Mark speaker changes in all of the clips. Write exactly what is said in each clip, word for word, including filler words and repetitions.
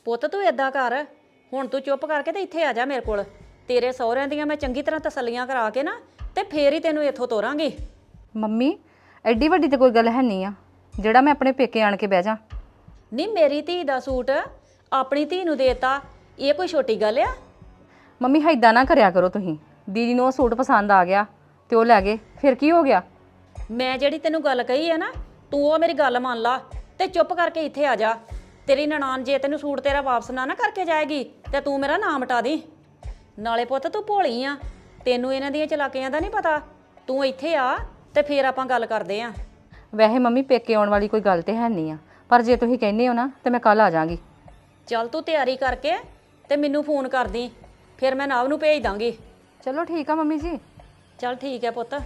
Speaker 1: ਪੁੱਤ ਤੂੰ ਏਦਾਂ ਕਰ, ਹੁਣ ਤੂੰ ਚੁੱਪ ਕਰਕੇ ਤੇ ਇੱਥੇ ਆ ਜਾ ਮੇਰੇ ਕੋਲ। ਤੇਰੇ ਸਹੁਰਿਆਂ ਦੀਆਂ ਮੈਂ ਚੰਗੀ ਤਰ੍ਹਾਂ ਤਸੱਲੀਆਂ ਕਰਾ ਕੇ ਨਾ ਤੇ ਫੇਰ ਹੀ ਤੈਨੂੰ ਇੱਥੋਂ ਤੋਰਾਂਗੀ।
Speaker 2: ਮੰਮੀ ਐਡੀ ਵੱਡੀ ਤੇ ਕੋਈ ਗੱਲ ਹੈ ਨਹੀਂ ਆ ਜਿਹੜਾ ਮੈਂ ਆਪਣੇ ਪੇਕੇ ਆਣ ਕੇ ਬਹਿ ਜਾ।
Speaker 1: ਨਹੀਂ, ਮੇਰੀ ਧੀ ਦਾ ਸੂਟ ਆਪਣੀ ਧੀ ਨੂੰ ਦੇਤਾ, ਇਹ ਕੋਈ ਛੋਟੀ ਗੱਲ ਆ?
Speaker 2: ਮੰਮੀ ਹੈਦਾਂ ਨਾ ਕਰਿਆ ਕਰੋ ਤੁਸੀਂ। ਦੀਦੀ ਨੂੰ ਉਹ ਸੂਟ ਪਸੰਦ ਆ ਗਿਆ ਤੇ ਉਹ ਲੈ ਗਏ, ਫਿਰ ਕੀ ਹੋ ਗਿਆ?
Speaker 1: ਮੈਂ ਜਿਹੜੀ ਤੈਨੂੰ ਗੱਲ ਕਹੀ ਹੈ ਨਾ, ਤੂੰ ਉਹ ਮੇਰੀ ਗੱਲ ਮੰਨ ਲਾ ਤੇ ਚੁੱਪ ਕਰਕੇ ਇੱਥੇ ਆ ਜਾ। ਤੇਰੀ ਨਨਾਣ ਜੇ ਤੈਨੂੰ ਸੂਟ ਤੇਰਾ ਵਾਪਸ ਨਾ ਨਾ ਕਰਕੇ ਜਾਏਗੀ ਤੇ ਤੂੰ ਮੇਰਾ ਨਾਮ ਮਿਟਾ ਦੀ। ਨਾਲੇ ਪੁੱਤ ਤੂੰ ਭੋਲੀ ਆ, ਤੈਨੂੰ ਇਹਨਾਂ ਦੀਆਂ ਚਲਾਕੀਆਂ ਦਾ ਨਹੀਂ ਪਤਾ। ਤੂੰ ਇੱਥੇ ਆ ਤੇ ਫੇਰ ਆਪਾਂ ਗੱਲ ਕਰਦੇ ਆਂ।
Speaker 2: ਵੈਸੇ ਮੰਮੀ ਪੇਕੇ ਆਉਣ ਵਾਲੀ ਕੋਈ ਗੱਲ ਤੇ ਹੈ ਨਹੀਂ ਆ, ਪਰ ਜੇ ਤੁਸੀਂ ਕਹਿੰਦੇ ਹੋ ਨਾ ਤੇ ਮੈਂ ਕੱਲ ਆ ਜਾਵਾਂਗੀ।
Speaker 1: ਚੱਲ ਤੂੰ ਤਿਆਰੀ ਕਰਕੇ ਤੇ ਮੈਨੂੰ ਫੋਨ ਕਰ ਦੀ, ਫਿਰ ਮੈਂ ਨਾਵ ਨੂੰ ਭੇਜ ਦਾਂਗੀ।
Speaker 2: ਚਲੋ ਠੀਕ ਆ ਮੰਮੀ ਜੀ।
Speaker 1: ਚੱਲ ਠੀਕ ਹੈ ਪੁੱਤ।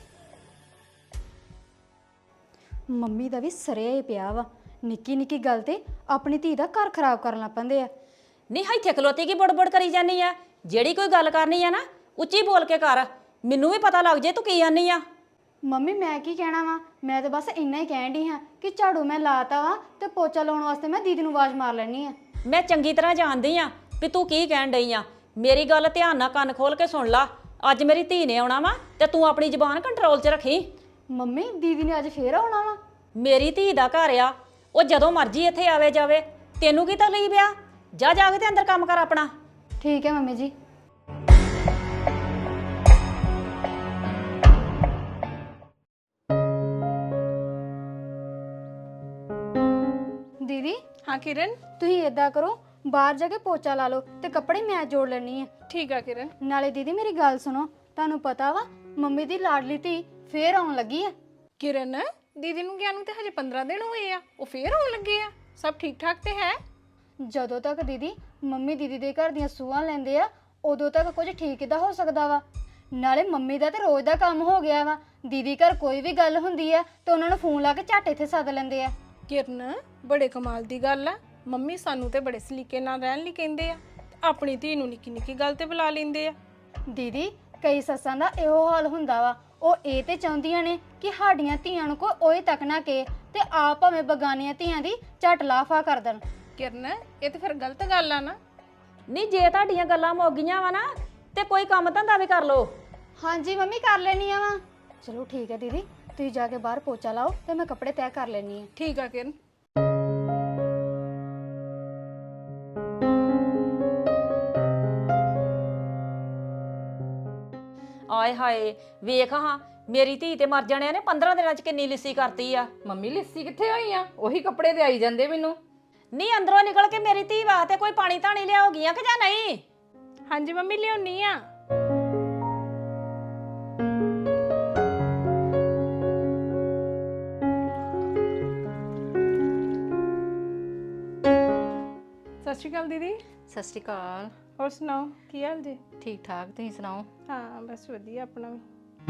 Speaker 3: ਮੰਮੀ ਦਾ ਵੀ ਸਰਿਆ ਹੀ ਪਿਆ ਵਾ, ਨਿੱਕੀ ਨਿੱਕੀ ਗੱਲ ਤੇ ਆਪਣੀ ਧੀ ਦਾ ਘਰ ਖਰਾਬ ਕਰਨ ਲੱਗ ਪੈਂਦੇ ਆ।
Speaker 1: ਨਹੀਂ ਇੱਥੇ ਖਲੋਤੀ ਕੀ ਬੜਬੜ ਕਰੀ ਜਾਨੀ ਆ? ਜਿਹੜੀ ਕੋਈ ਗੱਲ ਕਰਨੀ ਆ ਨਾ ਉੱਚੀ ਬੋਲ ਕੇ ਕਰ, ਮੈਨੂੰ ਵੀ ਪਤਾ ਲੱਗ ਜੇ ਤੂੰ ਕੀ ਆਨੀ ਆ।
Speaker 3: ਮੰਮੀ ਮੈਂ ਕੀ ਕਹਿਣਾ ਵਾ, ਮੈਂ ਤਾਂ ਬਸ ਇੰਨਾ ਹੀ ਕਹਿਣ ਡਈ ਹਾਂ ਕਿ ਝਾੜੂ ਮੈਂ ਲਾਤਾ ਵਾ ਤੇ ਪੋਚਾ ਲਾਉਣ ਵਾਸਤੇ ਮੈਂ ਦੀਦੀ ਨੂੰ ਆਵਾਜ਼ ਮਾਰ ਲੈਣੀ ਆ।
Speaker 1: ਮੈਂ ਚੰਗੀ ਤਰ੍ਹਾਂ ਜਾਣਦੀ ਆ ਵੀ ਤੂੰ ਕੀ ਕਹਿਣ ਡਈ ਆ। ਮੇਰੀ ਗੱਲ ਧਿਆਨ ਨਾਲ ਕੰਨ ਖੋਲ ਕੇ ਸੁਣ ਲਾ। ਅੱਜ ਮੇਰੀ ਧੀ ਨੇ ਆਉਣਾ ਵਾ ਤੇ ਤੂੰ ਆਪਣੀ ਜ਼ੁਬਾਨ ਕੰਟਰੋਲ 'ਚ ਰੱਖੀ।
Speaker 3: ਮੰਮੀ ਦੀਦੀ ਨੇ ਅੱਜ ਫੇਰ ਆਉਣਾ ਵਾ?
Speaker 1: ਮੇਰੀ ਧੀ ਦਾ ਘਰ ਆ, ਉਹ ਜਦੋਂ ਮਰਜ਼ੀ ਇੱਥੇ ਆਵੇ ਜਾਵੇ। ਤੈਨੂੰ ਕੀ ਤਕਲੀਫ ਆ? ਜਾ ਜਾ ਕੇ ਤੇ ਅੰਦਰ ਕੰਮ ਕਰ ਆਪਣਾ।
Speaker 3: ਠੀਕ ਹੈ ਮੰਮੀ ਜੀ। ਦੀਦੀ
Speaker 4: हाँ किरण,
Speaker 3: ਤੁਸੀਂ ਏਦਾਂ ਕਰੋ, ਬਾਹਰ ਜਾ ਕੇ ਪੋਚਾ ਲਾ ਲਓ ਤੇ ਕੱਪੜੇ ਮੈਂ ਜੋੜ ਲੈਣੀ ਆ।
Speaker 4: ठीक है किरण।
Speaker 3: ਨਾਲੇ ਦੀਦੀ ਮੇਰੀ ਗੱਲ ਸੁਣੋ, ਤੁਹਾਨੂੰ ਪਤਾ ਵਾ ਮੰਮੀ ਦੀ ਲਾਡਲੀ ਧੀ ਫੇਰ ਆਉਣ ਲੱਗੀ ਆ।
Speaker 4: किरण दीदी ਨੂੰ ਗਿਆ ਨੂੰ ਤੇ ਹਜੇ ਪੰਦਰਾਂ ਦਿਨ ਹੋਏ ਆ, ਉਹ ਫੇਰ ਆਉਣ ਲੱਗੇ ਆ। ਸਭ ਠੀਕ ਠਾਕ ਤੇ ਹੈ?
Speaker 3: ਜਦੋਂ ਤੱਕ ਦੀਦੀ ਮੰਮੀ ਦੀਦੀ ਦੇ ਘਰ ਦੀਆਂ ਸੂਹਾਂ ਲੈਂਦੇ ਆ ਉਦੋਂ ਤੱਕ ਕੁਝ ਠੀਕ ਕਿੱਦਾਂ ਹੋ ਸਕਦਾ ਵਾ। ਨਾਲੇ ਮੰਮੀ ਦਾ ਤੇ ਰੋਜ਼ ਦਾ ਕੰਮ ਹੋ ਗਿਆ ਵਾ, ਦੀਦੀ ਘਰ ਕੋਈ ਵੀ ਗੱਲ ਹੁੰਦੀ ਆ ਤੇ ਉਹਨਾਂ ਨੂੰ ਫੋਨ ਲਾ ਕੇ ਝੱਟ ਇੱਥੇ ਸੱਦ ਲੈਂਦੇ ਆ।
Speaker 4: ਕਿਰਨ ਬੜੇ ਕਮਾਲ ਦੀ ਗੱਲ ਆ, ਮੰਮੀ ਸਾਨੂੰ ਤੇ ਬੜੇ ਸਲੀਕੇ ਨਾਲ ਰਹਿਣ ਲਈ ਕਹਿੰਦੇ ਆ, ਆਪਣੀ ਧੀ ਨੂੰ ਨਿੱਕੀ ਨਿੱਕੀ ਗੱਲ ਤੇ ਬੁਲਾ ਲੈਂਦੇ ਆ।
Speaker 3: ਦੀਦੀ ਕਈ ਸੱਸਾਂ ਦਾ ਇਹੋ ਹਾਲ ਹੁੰਦਾ ਵਾ, ਉਹ ਇਹ ਤੇ ਚਾਹੁੰਦੀਆਂ ਨੇ ਕਿ ਸਾਡੀਆਂ ਧੀਆਂ ਨੂੰ ਕੋਈ ਓਏ ਤੱਕ ਨਾ ਕੇ ਤੇ ਆਪ ਭਾਵੇਂ ਬਗਾਨੀਆਂ ਧੀਆਂ ਦੀ ਝੱਟ ਲਾਫਾ ਕਰ ਦੇਣ।
Speaker 4: ਕਿਰਨ ਇਹ ਤੇ ਫਿਰ ਗਲਤ ਗੱਲ ਆ ਨਾ।
Speaker 1: ਨਹੀਂ ਜੇ ਤੁਹਾਡੀਆਂ ਗੱਲਾਂ ਮੁੱਕ ਗਈਆਂ ਵਾ ਨਾ ਤੇ ਕੋਈ ਕੰਮ ਧੰਦਾ ਵੀ ਕਰ ਲੋ।
Speaker 3: ਹਾਂਜੀ ਮੰਮੀ ਕਰ ਲੈਣੀ ਆ ਵਾ। ਚਲੋ ਠੀਕ ਹੈ ਦੀਦੀ, ਤੁਸੀਂ ਜਾ ਕੇ ਬਾਹਰ ਪੋਚਾ ਲਾਓ ਤੇ ਮੈਂ ਕੱਪੜੇ ਤੈਅ ਕਰ ਲੈਣੀ ਆ।
Speaker 4: ਠੀਕ ਆ ਕਿਰਨ।
Speaker 1: ਆਏ ਹਾਏ ਵੇਖ ਹਾਂ, ਮੇਰੀ ਧੀ ਤੇ ਮਰ ਜਾਣਿਆ ਨੇ ਪੰਦਰਾਂ ਦਿਨਾਂ 'ਚ ਕਿੰਨੀ ਲਿੱਸੀ ਕਰਤੀ ਆ।
Speaker 2: ਮੰਮੀ ਲਿੱਸੀ ਕਿੱਥੇ ਹੋਈ ਆ? ਉਹੀ ਕੱਪੜੇ ਤੇ ਆਈ ਜਾਂਦੇ ਮੈਨੂੰ।
Speaker 1: ਨਹੀਂ ਅੰਦਰੋਂ ਨਿਕਲ ਕੇ ਮੇਰੀ ਧੀ ਵਾਸਤੇ ਕੋਈ ਪਾਣੀ ਧਾਣੀ ਲਿਆਉਗੀਆਂ ਕਿ ਜਾਂ ਨਹੀਂ?
Speaker 4: ਹਾਂਜੀ ਮੰਮੀ ਲਿਆਉਣੀ ਆ। ਸਤਿ ਸ਼੍ਰੀ ਅਕਾਲ ਦੀਦੀ।
Speaker 2: ਸਤਿ ਸ਼੍ਰੀ ਅਕਾਲ।
Speaker 4: ਹੋਰ ਸੁਣਾਓ ਕੀ ਹਾਲ ਜੀ?
Speaker 2: ਠੀਕ ਠਾਕ, ਤੁਸੀਂ ਸੁਣਾਓ?
Speaker 4: ਹਾਂ ਬਸ ਵਧੀਆ ਆਪਣਾ ਵੀ।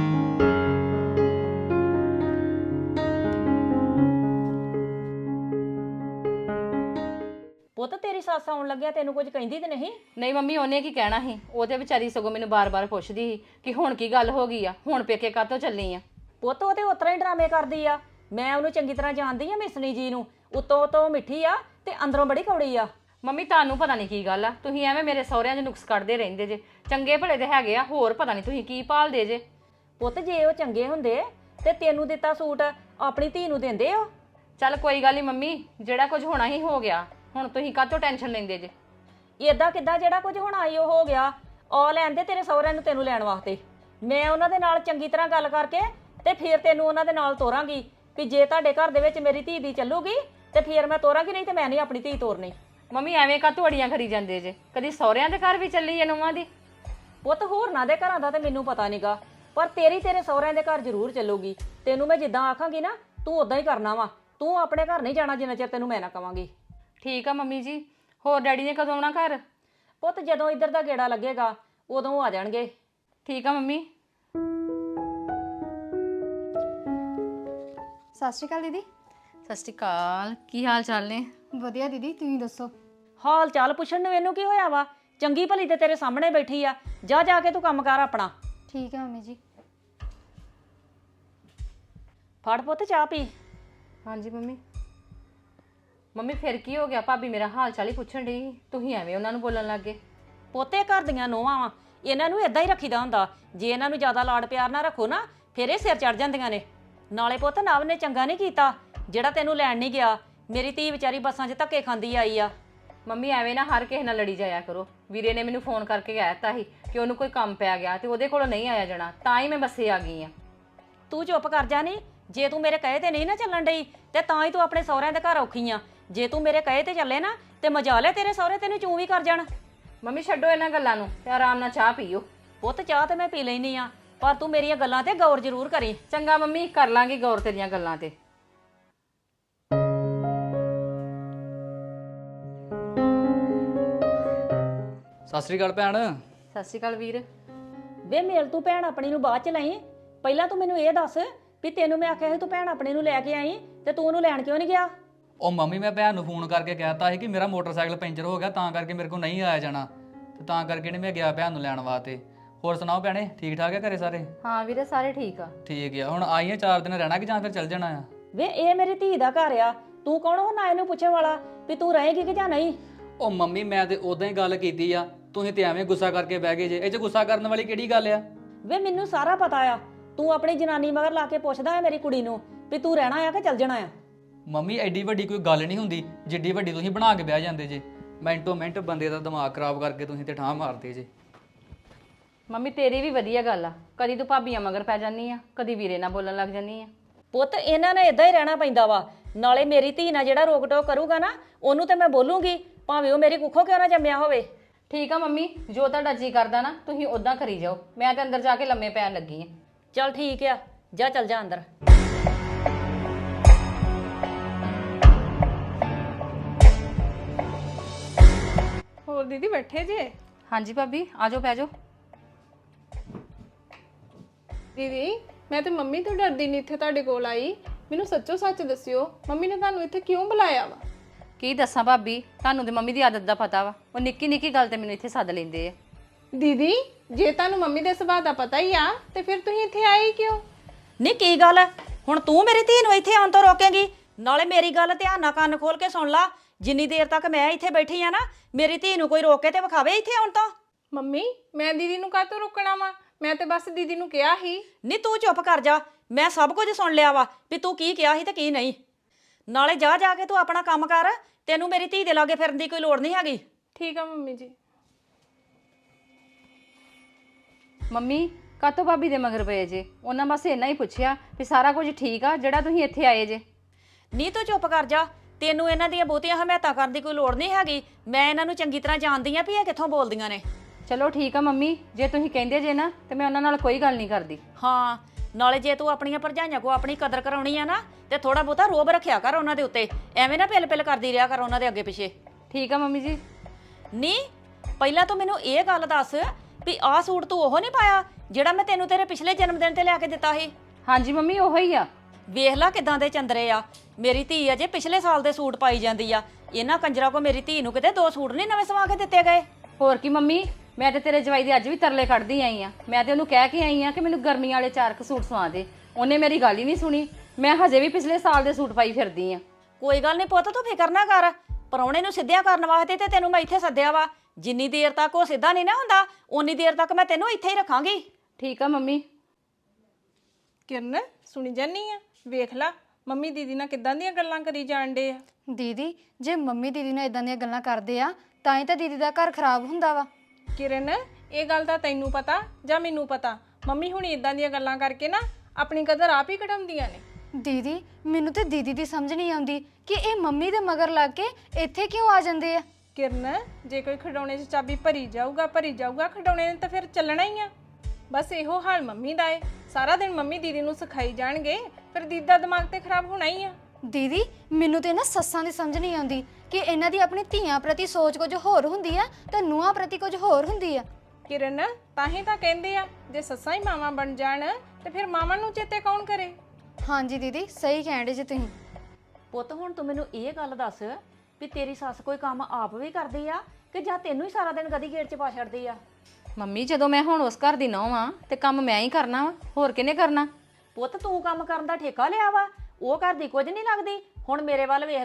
Speaker 1: ਪੁੱਤ ਤੇਰੀ ਸੱਸ ਆਉਣ ਲੱਗਿਆ ਤੈਨੂੰ ਕੁਝ ਕਹਿੰਦੀ ਤੇ ਨਹੀਂ?
Speaker 2: ਨਹੀਂ ਮੰਮੀ ਉਹਨੇ ਕੀ ਕਹਿਣਾ ਸੀ, ਉਹ ਤੇ ਵਿਚਾਰੀ ਸਗੋਂ ਮੈਨੂੰ ਬਾਰ-ਬਾਰ ਪੁੱਛਦੀ ਸੀ ਕਿ ਹੁਣ ਕੀ ਗੱਲ ਹੋ ਗਈ ਆ, ਹੁਣ ਪੇਕੇ ਕਾਹਤੋਂ ਚੱਲੀ ਆ।
Speaker 1: ਪੁੱਤ ਉਹ ਤੇ ਉਤਰਾ ਹੀ ਡਰਾਮੇ ਕਰਦੀ ਆ, ਮੈਂ ਉਹਨੂੰ ਚੰਗੀ ਤਰ੍ਹਾਂ ਜਾਣਦੀ ਆ ਮਿਸਨੀ ਜੀ ਨੂੰ। ਉੱਤੋਂ ਉੱਤੋਂ ਮਿੱਠੀ ਆ ਤੇ ਅੰਦਰੋਂ ਬੜੀ ਕੌੜੀ ਆ।
Speaker 2: ਮੰਮੀ ਤੁਹਾਨੂੰ ਪਤਾ ਨਹੀਂ ਕੀ ਗੱਲ ਆ, ਤੁਸੀਂ ਐਵੇਂ ਮੇਰੇ ਸਹੁਰਿਆਂ 'ਚ ਨੁਕਸ ਕੱਢਦੇ ਰਹਿੰਦੇ ਜੇ। ਚੰਗੇ ਭਲੇ ਤੇ ਹੈਗੇ ਆ, ਹੋਰ ਪਤਾ ਨਹੀਂ ਤੁਸੀਂ ਕੀ ਭਾਲਦੇ ਜੇ।
Speaker 1: ਪੁੱਤ ਜੇ ਉਹ ਚੰਗੇ ਹੁੰਦੇ ਤੇ ਤੈਨੂੰ ਦਿੱਤਾ ਸੂਟ ਆਪਣੀ ਧੀ ਨੂੰ ਦਿੰਦੇ ਹੋ।
Speaker 2: ਚੱਲ ਕੋਈ ਗੱਲ ਨਹੀਂ ਮੰਮੀ, ਜਿਹੜਾ ਕੁਝ ਹੋਣਾ ਹੀ ਹੋ ਗਿਆ, ਹੁਣ ਤੁਸੀਂ ਕਾਹਤੋਂ ਟੈਨਸ਼ਨ ਲੈਂਦੇ ਜੇ?
Speaker 1: ਏਦਾਂ ਕਿੱਦਾਂ ਜਿਹੜਾ ਕੁਝ ਹੁਣ ਆਈ ਉਹ ਹੋ ਗਿਆ? ਆ ਲੈਂਦੇ ਤੇਰੇ ਸਹੁਰਿਆਂ ਨੂੰ ਤੈਨੂੰ ਲੈਣ ਵਾਸਤੇ। ਮੈਂ ਉਹਨਾਂ ਦੇ ਨਾਲ ਚੰਗੀ ਤਰ੍ਹਾਂ ਗੱਲ ਕਰਕੇ ਤੇ ਫਿਰ ਤੈਨੂੰ ਉਹਨਾਂ ਦੇ ਨਾਲ ਤੋਰਾਂਗੀ ਵੀ ਜੇ ਤੁਹਾਡੇ ਘਰ ਦੇ ਵਿੱਚ ਮੇਰੀ ਧੀ ਦੀ ਚੱਲੂਗੀ ਤੇ ਫਿਰ ਮੈਂ ਤੋਰਾਂਗੀ, ਨਹੀਂ ਤੇ ਮੈਂ ਨਹੀਂ ਆਪਣੀ ਧੀ ਤੋਰਨੀ।
Speaker 2: ਮੰਮੀ ਐਵੇਂ ਕਾਹਤੋਂ ਅੜੀਆਂ ਕਰੀ ਜਾਂਦੇ ਜੇ? ਕਦੀ ਸਹੁਰਿਆਂ ਦੇ ਘਰ ਵੀ ਚੱਲੀ ਏ ਨੂੰਹਾਂ ਦੀ?
Speaker 1: ਪੁੱਤ ਹੋਰਨਾਂ ਦੇ ਘਰਾਂ ਦਾ ਤੇ ਮੈਨੂੰ ਪਤਾ ਨਹੀਂਗਾ, ਪਰ ਤੇਰੀ ਤੇਰੇ ਸਹੁਰਿਆਂ ਦੇ ਘਰ ਜ਼ਰੂਰ ਚੱਲੂਗੀ। ਤੈਨੂੰ ਮੈਂ ਜਿੱਦਾਂ ਆਖਾਂਗੀ ਨਾ ਤੂੰ ਉਦਾਂ ਹੀ ਕਰਨਾ ਵਾ। ਤੂੰ ਆਪਣੇ ਘਰ ਨਹੀਂ ਜਾਣਾ ਜਿੰਨਾ ਚਿਰ ਤੈਨੂੰ ਮੈਂ ਨਾ ਕਵਾਂਗੀ।
Speaker 2: ਠੀਕ ਆ ਮੰਮੀ ਜੀ। ਹੋਰ ਡੈਡੀ ਨੇ ਕਦੋਂ ਆਉਣਾ ਘਰ?
Speaker 1: ਪੁੱਤ ਜਦੋਂ ਇੱਧਰ ਦਾ ਗੇੜਾ ਲੱਗੇਗਾ ਉਦੋਂ ਆ ਜਾਣਗੇ।
Speaker 2: ਠੀਕ ਆ ਮੰਮੀ।
Speaker 3: ਸਤਿ ਸ਼੍ਰੀ ਅਕਾਲ ਦੀਦੀ।
Speaker 2: ਸਤਿ ਸ਼੍ਰੀ ਅਕਾਲ, ਕੀ ਹਾਲ ਚਾਲ ਨੇ?
Speaker 3: ਵਧੀਆ ਦੀਦੀ, ਤੁਸੀਂ ਦੱਸੋ?
Speaker 1: ਹਾਲ ਚਾਲ ਪੁੱਛਣ ਨੂੰ ਇਹਨੂੰ ਕੀ ਹੋਇਆ ਵਾ? ਚੰਗੀ ਭਲੀ ਤੇ ਤੇਰੇ ਸਾਹਮਣੇ ਬੈਠੀ ਆ, ਜਾ ਜਾ ਕੇ ਤੂੰ ਕੰਮ ਕਰ ਆਪਣਾ।
Speaker 3: ਠੀਕ ਹੈ ਮੰਮੀ ਜੀ।
Speaker 1: ਫੜ ਪੁੱਤ ਚਾਹ ਪੀ।
Speaker 2: ਹਾਂਜੀ ਮੰਮੀ। ਮੰਮੀ ਫਿਰ ਕੀ ਹੋ ਗਿਆ? ਭਾਬੀ ਮੇਰਾ ਹਾਲ ਚਾਲ ਹੀ ਪੁੱਛਣ ਡਈ, ਤੁਸੀਂ ਐਵੇਂ ਉਹਨਾਂ ਨੂੰ ਬੋਲਣ ਲੱਗ ਗਏ।
Speaker 1: ਪੋਤੇ ਘਰ ਦੀਆਂ ਨੋਹਾਂ ਵਾ, ਇਹਨਾਂ ਨੂੰ ਇਦਾਂ ਹੀ ਰੱਖੀਦਾ ਹੁੰਦਾ। ਜੇ ਇਹਨਾਂ ਨੂੰ ਜ਼ਿਆਦਾ ਲਾਡ ਪਿਆਰ ਨਾ ਰੱਖੋ ਨਾ, ਫਿਰ ਇਹ ਸਿਰ ਚੜ ਜਾਂਦੀਆਂ ਨੇ। ਨਾਲੇ ਪੁੱਤ ਨਵ ਨੇ ਚੰਗਾ ਨਹੀਂ ਕੀਤਾ ਜਿਹੜਾ ਤੈਨੂੰ ਲੈਣ ਨਹੀਂ ਗਿਆ। ਮੇਰੀ ਧੀ ਵਿਚਾਰੀ ਬੱਸਾਂ 'ਚ ਧੱਕੇ ਖਾਂਦੀ ਆਈ ਆ।
Speaker 2: ਮੰਮੀ ਐਵੇਂ ਨਾ ਹਰ ਕਿਸੇ ਨਾਲ ਲੜੀ ਜਾਇਆ ਕਰੋ। ਵੀਰੇ ਨੇ ਮੈਨੂੰ ਫੋਨ ਕਰਕੇ ਕਹਿ ਦਿੱਤਾ ਸੀ ਕਿ ਉਹਨੂੰ ਕੋਈ ਕੰਮ ਪੈ ਗਿਆ ਤੇ ਉਹਦੇ ਕੋਲੋਂ ਨਹੀਂ ਆਇਆ ਜਾਣਾ, ਤਾਂ ਹੀ ਮੈਂ ਬੱਸੇ ਆ ਗਈ ਆ।
Speaker 1: ਤੂੰ ਚੁੱਪ ਕਰ ਜਾ ਨੀ। ਜੇ ਤੂੰ ਮੇਰੇ ਕਹੇ ਤੇ ਨਹੀਂ ਨਾ ਚੱਲਣ ਡਈ ਤੇ ਤਾਂ ਹੀ ਤੂੰ ਆਪਣੇ ਸਹੁਰਿਆਂ ਦੇ ਘਰ ਔਖੀ ਆ। ਜੇ ਤੂੰ ਮੇਰੇ ਕਹੇ ਤੇ ਚੱਲੇ ਨਾ ਤੇ ਮਜਾ ਲੈ, ਤੇਰੇ ਸਹੁਰੇ ਤੈਨੂੰ ਚੂੰ ਵੀ ਕਰ ਜਾਣ।
Speaker 2: ਮੰਮੀ ਛੱਡੋ ਇਹਨਾਂ ਗੱਲਾਂ ਨੂੰ ਤੇ ਆਰਾਮ ਨਾਲ ਚਾਹ ਪੀਓ।
Speaker 1: ਪੁੱਤ ਚਾਹ ਤੇ ਮੈਂ ਪੀ ਲੈਣੀ ਆ, ਪਰ ਤੂੰ ਮੇਰੀਆਂ ਗੱਲਾਂ ਤੇ ਗੌਰ ਜ਼ਰੂਰ ਕਰੀ।
Speaker 2: ਚੰਗਾ ਮੰਮੀ, ਕਰ ਲਾਂਗੀ ਗੌਰ ਤੇਰੀਆਂ ਗੱਲਾਂ ਤੇ।
Speaker 5: ਸਤਿ ਸ੍ਰੀ ਅਕਾਲ ਭੈਣ।
Speaker 2: ਸਤਿ ਸ਼੍ਰੀ ਅਕਾਲ ਵੀਰ।
Speaker 1: ਵੇ ਮੇਲ ਤੂੰ ਭੈਣ ਆਪਣੀ ਨੂੰ ਬਾਅਦ ਚ ਲਈ, ਪਹਿਲਾਂ ਤੂੰ ਮੈਨੂੰ ਇਹ ਦੱਸ ਵੀ ਤੈਨੂੰ ਮੈਂ ਆਖਿਆ ਸੀ ਤੂੰ ਭੈਣ ਆਪਣੀ ਨੂੰ ਲੈ ਕੇ ਆਈ ਤੇ ਤੂੰ ਉਹਨੂੰ ਲੈਣ ਕਿਉਂ ਨਹੀਂ ਗਿਆ?
Speaker 5: ਉਹ ਮੰਮੀ ਮੈਂ ਭੈਣ ਨੂੰ ਫੋਨ ਕਰਕੇ ਕਹਿਤਾ ਸੀ ਕਿ ਮੇਰਾ ਮੋਟਰਸਾਈਕਲ ਪੈਂਚਰ ਹੋ ਗਿਆ, ਤਾਂ ਕਰਕੇ ਮੇਰੇ ਕੋਲ ਨਹੀਂ ਆਇਆ ਜਾਣਾ, ਤੇ ਤਾਂ ਕਰਕੇ ਨਹੀਂ ਮੈਂ ਗਿਆ ਭੈਣ ਨੂੰ ਲੈਣ ਵਾਸਤੇ। ਹੋਰ ਸੁਣਾਓ ਭੈਣੇ, ਠੀਕ ਠਾਕ ਹੈ ਘਰੇ ਸਾਰੇ?
Speaker 2: ਹਾਂ ਵੀਰੇ, ਸਾਰੇ ਠੀਕ ਆ।
Speaker 5: ਠੀਕ ਆ। ਹੁਣ ਆਈਆਂ ਚਾਰ ਦਿਨ ਰਹਿਣਾ ਕਿ ਜਾਂ ਫਿਰ ਚੱਲ ਜਾਣਾ ਆ?
Speaker 1: ਵੇ ਇਹ ਮੇਰੀ ਧੀ ਦਾ ਘਰ ਆ, ਤੂੰ ਕੌਣ ਹੋ ਨਾ ਇਹਨੂੰ ਪੁੱਛਣ ਵਾਲਾ ਵੀ ਤੂੰ ਰਹੇਗੀ ਕਿ ਜਾਂ ਨਹੀਂ?
Speaker 5: ਉਹ ਮੰਮੀ ਮੈਂ ਤੇ ਉਦਾਂ ਹੀ ਗੱਲ ਕੀਤੀ ਆ, ਤੁਸੀਂ ਤੇ ਐਵੇਂ ਗੁੱਸਾ ਕਰਕੇ ਬਹਿ ਗਏ ਜੇ। ਇਹ 'ਚ ਗੁੱਸਾ ਕਰਨ ਵਾਲੀ ਕਿਹੜੀ ਗੱਲ ਆ?
Speaker 1: ਵੇ ਮੈਨੂੰ ਸਾਰਾ ਪਤਾ ਆ, ਤੂੰ ਆਪਣੀ ਜਨਾਨੀ ਮਗਰ ਲਾ ਕੇ ਪੁੱਛਦਾ ਹੈ ਮੇਰੀ ਕੁੜੀ ਨੂੰ ਵੀ ਤੂੰ ਰਹਿਣਾ ਆ ਕਿ ਚੱਲ ਜਾਣਾ ਆ।
Speaker 5: ਮੰਮੀ ਐਡੀ ਵੱਡੀ ਕੋਈ ਗੱਲ ਨਹੀਂ ਹੁੰਦੀ ਜਿੱਡੀ ਵੱਡੀ ਤੁਸੀਂ ਬਣਾ ਕੇ ਬਹਿ ਜਾਂਦੇ ਜੇ। ਮਿੰਟੋ ਮਿੰਟ ਬੰਦੇ ਦਾ ਦਿਮਾਗ ਖਰਾਬ ਕਰਕੇ ਤੁਸੀਂ ਤੇ ਠਾਹ ਮਾਰਦੇ ਜੇ।
Speaker 2: ਮੰਮੀ ਤੇਰੀ ਵੀ ਵਧੀਆ ਗੱਲ ਆ, ਕਦੀ ਤੂੰ ਭਾਬੀਆਂ ਮਗਰ ਪੈ ਜਾਂਦੀ ਆ, ਕਦੀ ਵੀਰੇ ਨਾਲ ਬੋਲਣ ਲੱਗ ਜਾਂਦੀ ਆ।
Speaker 1: ਪੁੱਤ ਇਹਨਾਂ ਨੇ ਇਦਾਂ ਹੀ ਰਹਿਣਾ ਪੈਂਦਾ ਵਾ। ਨਾਲੇ ਮੇਰੀ ਧੀ ਨਾਲ ਜਿਹੜਾ ਰੋਕ ਟੋਕ ਕਰੂਗਾ ਨਾ, ਉਹਨੂੰ ਤੇ ਮੈਂ ਬੋਲੂੰਗੀ, ਭਾਵੇਂ ਉਹ ਮੇਰੀ ਕੁੱਖੋਂ ਕਿਉਂ ਨਾ ਜੰਮਿਆ ਹੋਵੇ।
Speaker 2: ਠੀਕ ਆ ਮੰਮੀ, ਜੋ ਤੁਹਾਡਾ ਜੀ ਕਰਦਾ ਨਾ ਤੁਸੀਂ ਉਦਾਂ ਕਰੀ ਜਾਓ। ਮੈਂ ਤੇ ਅੰਦਰ ਜਾ ਕੇ ਲੰਮੇ ਪੈਣ ਲੱਗੀ ਆ।
Speaker 1: ਚੱਲ ਠੀਕ ਆ, ਜਾ ਚੱਲ ਜਾ ਅੰਦਰ।
Speaker 4: ਹੋਰ ਦੀਦੀ ਬੈਠੇ ਜੇ?
Speaker 2: ਹਾਂਜੀ ਭਾਬੀ, ਆਜੋ ਪੈ ਜਾਓ।
Speaker 4: ਦੀਦੀ ਮੈਂ ਤੇ ਮੰਮੀ ਤੋਂ ਡਰਦੀ ਨਹੀਂ ਇੱਥੇ ਤੁਹਾਡੇ ਕੋਲ ਆਈ। ਮੈਨੂੰ ਸੱਚੋ ਸੱਚ ਦੱਸਿਓ, ਮੰਮੀ ਨੇ ਤੁਹਾਨੂੰ ਇੱਥੇ ਕਿਉਂ ਬੁਲਾਇਆ ਵਾ?
Speaker 2: ਕੀ ਦੱਸਾਂ ਭਾਬੀ, ਤੁਹਾਨੂੰ ਤੇ ਮੰਮੀ ਦੀ ਆਦਤ ਦਾ ਪਤਾ ਵਾ। ਉਹ ਨਿੱਕੀ ਨਿੱਕੀ ਗੱਲ ਤੇ ਮੈਨੂੰ ਇੱਥੇ ਸੱਦ ਲੈਂਦੇ ਆ।
Speaker 4: ਦੀਦੀ ਜੇ ਤੁਹਾਨੂੰ ਮੰਮੀ ਦੇ ਸੁਭਾਅ ਦਾ ਪਤਾ ਹੀ ਆ ਤੇ ਫਿਰ ਤੁਸੀਂ ਇੱਥੇ ਆਏ ਕਿਉਂ?
Speaker 1: ਨਹੀਂ ਕੀ ਗੱਲ ਹੈ, ਹੁਣ ਤੂੰ ਮੇਰੀ ਧੀ ਨੂੰ ਇੱਥੇ ਆਉਣ ਤੋਂ ਰੋਕੇਂਗੀ? ਨਾਲੇ ਮੇਰੀ ਗੱਲ ਧਿਆਨ ਨਾਲ ਕੰਨ ਖੋਲ ਕੇ ਸੁਣ ਲਾ। ਜਿੰਨੀ ਦੇਰ ਤੱਕ ਮੈਂ ਇੱਥੇ ਬੈਠੀ ਆ ਨਾ, ਮੇਰੀ ਧੀ ਨੂੰ ਕੋਈ ਰੋਕ ਕੇ ਤੇ ਵਿਖਾਵੇ ਇੱਥੇ ਆਉਣ ਤੋਂ।
Speaker 4: ਮੰਮੀ ਮੈਂ ਦੀਦੀ ਨੂੰ ਕਾਹਤੋਂ ਰੋਕਣਾ ਵਾ? ਮੈਂ ਤੇ ਬਸ ਦੀਦੀ ਨੂੰ ਕਿਹਾ ਸੀ।
Speaker 1: ਨਹੀਂ ਤੂੰ ਚੁੱਪ ਕਰ ਜਾ, ਮੈਂ ਸਭ ਕੁਝ ਸੁਣ ਲਿਆ ਵਾ ਵੀ ਤੂੰ ਕੀ ਕਿਹਾ ਸੀ ਤੇ ਕੀ ਨਹੀਂ। ਨਾਲੇ ਜਾ ਜਾ ਕੇ ਤੂੰ ਆਪਣਾ ਕੰਮ ਕਰ, ਤੈਨੂੰ ਮੇਰੀ ਧੀ ਦੇ ਲਾਗੇ ਫਿਰਨ ਦੀ ਕੋਈ ਲੋੜ ਨਹੀਂ ਹੈਗੀ।
Speaker 4: ਠੀਕ ਆ ਮੰਮੀ ਜੀ।
Speaker 2: ਮੰਮੀ ਕਾਤੋਂ ਭਾਬੀ ਦੇ ਮਗਰ ਪਏ ਜੇ? ਉਹਨਾਂ ਬਸ ਇੰਨਾ ਹੀ ਪੁੱਛਿਆ ਵੀ ਸਾਰਾ ਕੁਝ ਠੀਕ ਆ ਜਿਹੜਾ ਤੁਸੀਂ ਇੱਥੇ ਆਏ ਜੇ।
Speaker 1: ਨਹੀਂ ਤੂੰ ਚੁੱਪ ਕਰ ਜਾ, ਤੈਨੂੰ ਇਹਨਾਂ ਦੀਆਂ ਬਹੁਤੀਆਂ ਹਮਾਇਤਾਂ ਕਰਨ ਦੀ ਕੋਈ ਲੋੜ ਨਹੀਂ ਹੈਗੀ। ਮੈਂ ਇਹਨਾਂ ਨੂੰ ਚੰਗੀ ਤਰ੍ਹਾਂ ਜਾਣਦੀ ਆ ਵੀ ਇਹ ਕਿੱਥੋਂ ਬੋਲਦੀਆਂ ਨੇ।
Speaker 2: ਚਲੋ ਠੀਕ ਆ ਮੰਮੀ, ਜੇ ਤੁਸੀਂ ਕਹਿੰਦੇ ਜੇ ਨਾ ਤੇ ਮੈਂ ਉਹਨਾਂ ਨਾਲ ਕੋਈ ਗੱਲ ਨਹੀਂ ਕਰਦੀ।
Speaker 1: ਹਾਂ, ਨਾਲੇ ਜੇ ਤੂੰ ਆਪਣੀਆਂ ਭਰਜਾਈਆਂ ਕੋ ਆਪਣੀ ਕਦਰ ਕਰਾਉਣੀ ਆ ਨਾ, ਤੇ ਥੋੜਾ ਬਹੁਤਾ ਰੋਬ ਰੱਖਿਆ ਕਰ ਉਹਨਾਂ ਦੇ ਉੱਤੇ। ਐਵੇਂ ਨਾ ਪਿਲ ਪਿਲ ਕਰਦੀ ਰਿਹਾ ਕਰ ਉਹਨਾਂ ਦੇ ਅੱਗੇ ਪਿੱਛੇ।
Speaker 2: ਠੀਕ ਆ ਮੰਮੀ ਜੀ।
Speaker 1: ਨਹੀਂ ਪਹਿਲਾਂ ਤੂੰ ਮੈਨੂੰ ਇਹ ਗੱਲ ਦੱਸ ਵੀ ਆਹ ਸੂਟ ਤੂੰ ਉਹ ਨਹੀਂ ਪਾਇਆ ਜਿਹੜਾ ਮੈਂ ਤੈਨੂੰ ਤੇਰੇ ਪਿਛਲੇ ਜਨਮ ਦਿਨ ਤੇ ਲਿਆ ਕੇ ਦਿੱਤਾ ਸੀ?
Speaker 2: ਹਾਂਜੀ ਮੰਮੀ, ਉਹੋ ਹੀ ਆ।
Speaker 1: ਵੇਖ ਲੈ ਕਿਦਾਂ ਦੇ ਚੰਦਰੇ ਆ। ਮੇਰੀ ਧੀ ਅਜੇ ਪਿਛਲੇ ਸਾਲ ਦੇ ਸੂਟ ਪਾਈ ਜਾਂਦੀ ਆ। ਇਹਨਾਂ ਕੰਜਰਾਂ ਕੋ ਮੇਰੀ ਧੀ ਨੂੰ ਕਿਤੇ ਦੋ ਸੂਟ ਨਹੀਂ ਨਵੇਂ ਸਵਾ ਕੇ ਦਿੱਤੇ ਗਏ।
Speaker 2: ਹੋਰ ਕੀ ਮੰਮੀ, ਮੈਂ ਤੇ ਤੇਰੇ ਜਵਾਈ ਦੇ ਅੱਜ ਵੀ ਤਰਲੇ ਕੱਢਦੀ ਆਈ ਆ। ਮੈਂ ਤੇ ਉਹਨੂੰ ਕਹਿ ਕੇ ਆਈ ਆ ਕਿ ਮੈਨੂੰ ਗਰਮੀਆਂ ਵਾਲੇ ਚਾਰ ਕ ਸੂਟ ਸਵਾ ਦੇ। ਉਹਨੇ ਮੇਰੀ ਗੱਲ ਹੀ ਨਹੀਂ ਸੁਣੀ। ਮੈਂ ਹਜੇ ਵੀ ਪਿਛਲੇ ਸਾਲ ਦੇ ਸੂਟ ਪਾਈ ਫਿਰਦੀ ਆ।
Speaker 1: ਕੋਈ ਗੱਲ ਨਹੀਂ ਪੁੱਤ, ਤੂੰ ਫਿਕਰ ਨਾ ਕਰ। ਪਰੌਣੇ ਨੂੰ ਸਿੱਧਿਆ ਕਰਨ ਵਾਸਤੇ ਤੇ ਤੈਨੂੰ ਮੈਂ ਇੱਥੇ ਸੱਦਿਆ ਵਾ। ਜਿੰਨੀ ਦੇਰ ਤੱਕ ਉਹ ਸਿੱਧਾ ਨਹੀਂ ਨਾ ਹੁੰਦਾ, ਓਨੀ ਦੇਰ ਤੱਕ ਮੈਂ ਤੈਨੂੰ ਇੱਥੇ ਹੀ ਰੱਖਾਂਗੀ।
Speaker 2: ਠੀਕ ਆ ਮੰਮੀ।
Speaker 4: ਕਿਰਨ ਸੁਣੀ ਜਾਨੀ ਆ, ਵੇਖ ਲਾ ਮੰਮੀ ਦੀਦੀ ਨਾਲ ਕਿੱਦਾਂ ਦੀਆਂ ਗੱਲਾਂ ਕਰੀ ਜਾਣ ਡੇ ਆ।
Speaker 3: ਦੀਦੀ ਜੇ ਮੰਮੀ ਦੀਦੀ ਨਾਲ ਇਦਾਂ ਦੀਆਂ ਗੱਲਾਂ ਕਰਦੇ ਆ ਤਾਂ ਹੀ ਤਾਂ ਦੀਦੀ ਦਾ ਘਰ ਖਰਾਬ ਹੁੰਦਾ ਵਾ।
Speaker 4: ਕਿਰਨ ਇਹ ਗੱਲ ਤਾਂ ਤੈਨੂੰ ਪਤਾ ਜਾਂ ਮੈਨੂੰ ਪਤਾ? ਮੰਮੀ ਹੁਣ ਇਦਾਂ ਦੀਆਂ ਗੱਲਾਂ ਕਰਕੇ ਨਾ ਆਪਣੀ ਕਦਰ ਆਪ ਹੀ ਘਟਾਉਂਦੀਆਂ ਨੇ।
Speaker 3: ਦੀਦੀ ਮੈਨੂੰ ਤੇ ਦੀਦੀ ਦੀ ਸਮਝ ਨਹੀਂ ਆਉਂਦੀ ਕਿ ਇਹ ਮੰਮੀ ਦੇ ਮਗਰ ਲੱਗ ਕੇ ਇੱਥੇ ਕਿਉਂ ਆ ਜਾਂਦੇ ਆ।
Speaker 4: ਕਿਰਨ ਜੇ ਕੋਈ ਖਿਡੌਣੇ 'ਚ ਚਾਬੀ ਭਰੀ ਜਾਊਗਾ ਭਰੀ ਜਾਊਗਾ ਖਿਡੌਣੇ ਨੇ ਤਾਂ ਫਿਰ ਚੱਲਣਾ ਹੀ ਆ। ਬਸ ਇਹੋ ਹਾਲ ਮੰਮੀ ਦਾ ਏ। ਸਾਰਾ ਦਿਨ ਮੰਮੀ ਦੀਦੀ ਨੂੰ ਸਿਖਾਈ ਜਾਣਗੇ, ਫਿਰ ਦੀਦੀ ਦਾ ਦਿਮਾਗ ਤੇ ਖਰਾਬ ਹੋਣਾ ਹੀ ਆ।
Speaker 3: ਦੀਦੀ ਮੈਨੂੰ ਤੇ ਨਾ ਸੱਸਾਂ ਦੀ ਸਮਝ ਨਹੀਂ ਆਉਂਦੀ ਕਿ ਇਹਨਾਂ ਦੀ ਆਪਣੀ ਧੀਆਂ ਪ੍ਰਤੀ ਸੋਚ ਕੁਝ ਹੋਰ ਹੁੰਦੀ ਆ ਤੇ ਨੂੰਹਾਂ ਪ੍ਰਤੀ ਕੁਝ ਹੋਰ ਹੁੰਦੀ ਆ।
Speaker 4: ਕਿਰਨ ਤਾਂ ਹੀ ਤਾਂ ਕਹਿੰਦੇ ਆ ਜੇ ਸੱਸਾਂ ਹੀ ਮਾਵਾਂ ਬਣ ਜਾਣ ਤੇ ਫਿਰ ਮਾਵਾਂ ਨੂੰ ਚੇਤੇ ਕੌਣ ਕਰੇ?
Speaker 3: ਹਾਂਜੀ ਦੀਦੀ ਸਹੀ ਕਹਿੰਦੇ ਜੇ ਤੁਸੀਂ।
Speaker 1: ਪੁੱਤ ਹੁਣ ਤੂੰ ਮੈਨੂੰ ਇਹ ਗੱਲ ਦੱਸ ਵੀ ਤੇਰੀ ਸੱਸ ਕੋਈ ਕੰਮ ਆਪ ਵੀ ਕਰਦੀ ਆ ਕਿ ਜਾਂ ਤੈਨੂੰ ਹੀ ਸਾਰਾ ਦਿਨ ਗਦੀ ਗੇਟ 'ਚ ਪਾ ਛੱਡਦੀ ਆ?
Speaker 2: ਮੰਮੀ ਜਦੋਂ ਮੈਂ ਹੁਣ ਉਸ ਘਰ ਦੀ ਨੌਂ ਆ ਤੇ ਕੰਮ ਮੈਂ ਹੀ ਕਰਨਾ ਵਾ, ਹੋਰ ਕਿਹਨੇ ਕਰਨਾ?
Speaker 1: ਪੁੱਤ ਤੂੰ ਕੰਮ ਕਰਨ ਦਾ ਠੇਕਾ ਲਿਆ ਵਾ, ਉਹ ਘਰ ਦੀ ਕੁਝ ਨਹੀਂ ਲੱਗਦੀ। ਹੁਣ ਮੇਰੇ ਵੱਲ ਵੇਖ ਲਾ,